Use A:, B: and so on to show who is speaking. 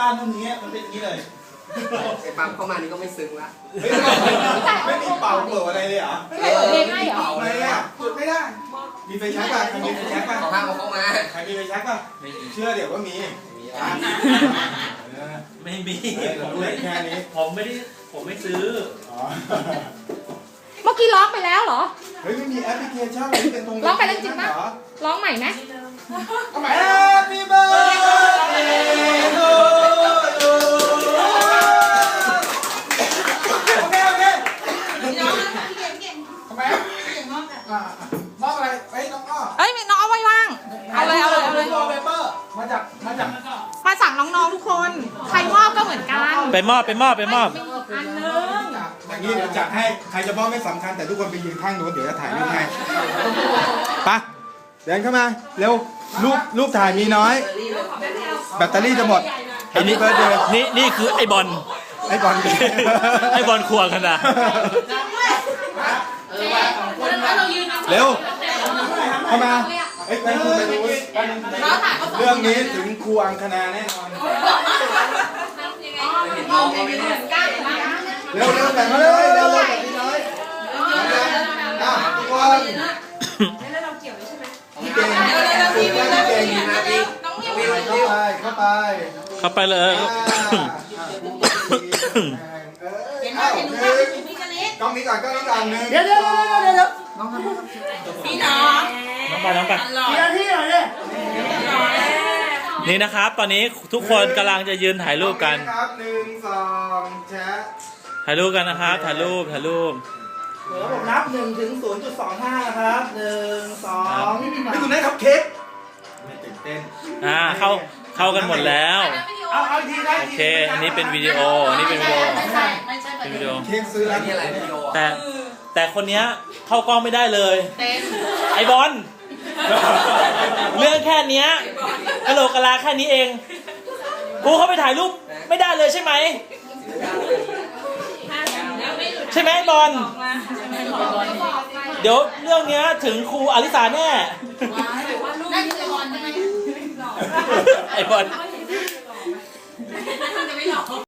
A: านมันอย่างเงี้ยมันเป็นอย่างนี้เลย
B: ไอ้ปั๊มเข้ามานี่ก็ไม่ซึ้งละ
A: ไม่มีเป่าเปิดอะไรเลยเหรอ
C: ไม่เหรอ
A: อะไรอ่ะจุดไม่ได้มีไฟแช็กป่ะใครมีไฟแช็กป่ะ
B: ขอข้าวเข้ามา
A: ใครมีไฟแช็กป่ะเชื่อเดี๋ยวว่ามี
D: ไม่มี
A: เราดูแค่นี้
D: ผมไม่ซื้อ
C: เมื่อกี้ร้องไปแล้วเหรอ
A: เฮ้ยไม่มีแอปพลิเคชันอะไรเป็นตรง
C: ร้องไปแล้วจริงปะร้องใหม่ไหม
A: Happy birthday to you โอเคทำไมมอบอะไรเฮ้ยน้องอ้อ
C: เอ้ยน้องเอาไว้ว่างเอาเลย
A: เปเปอร์มาจาก
C: มาสั่งน้องๆทุกคนใครมอบก็เหมือนกัน
D: ไปมอบ
C: อันนึง
A: อย่างนี้เดี๋ยวจัดให้ใครจะมอบไม่สำคัญแต่ทุกคนไปยืนข้างโน้นเดี๋ยวจะถ่ายรูปให้ไปเดินเข้ามาเร็วรูปถ่ายมีน้อยแบตเตอรี่จะหมด
D: ไอ้นี่เบิร์ดเดย์นี่คือไอ้บอล
A: ไอ้บอล
D: ไอ้บอลควงกันนะ
A: เร็วเข้ามาเอ้ยไปคุณไปดูเรื่องนี้ถึงครูอังคณาแน่นอนเร็วแต่มาเลยเร็วแบบนี้น้อยทุกคนพี่เก่งเข้าไปเลยกล้องนี้ก่อนหนึ่ง
C: พี่น้อง
D: น้องไปนี่นะครับ ตอนนี้ทุกคนกำลังจะยืนถ่ายรูปกัน
A: ครับ1 2แชะ
D: ถ่ายรูปกันนะครับถ่ายรูป
A: เดี๋ยวผมนับ1 ถึง 0.25 นะครับ1 2นี่คุณได้ครับเค้กไม่ตื่นเต้น
D: เข้ากันหมดแล้ว
A: เอาอีกทีได้
D: โอเคอันนี้เป็นวิดีโอเป็นวิดีโอ
A: เค้กซื้อแล้ว
B: นี่อะไรวิดีโอ
D: แต่คนเนี้ยเข้ากล้องไม่ได้เลยไอบอลเรื่องแค่เนี้ยกะโหลกกะลาแค่นี้เองกูเข้าไปถ่ายรูปไม่ได้เลยใช่ไหมใช่ไหมบอลเดี๋ยวเรื่องเนี้ยถึงครูอลิสาแน่ไอบอล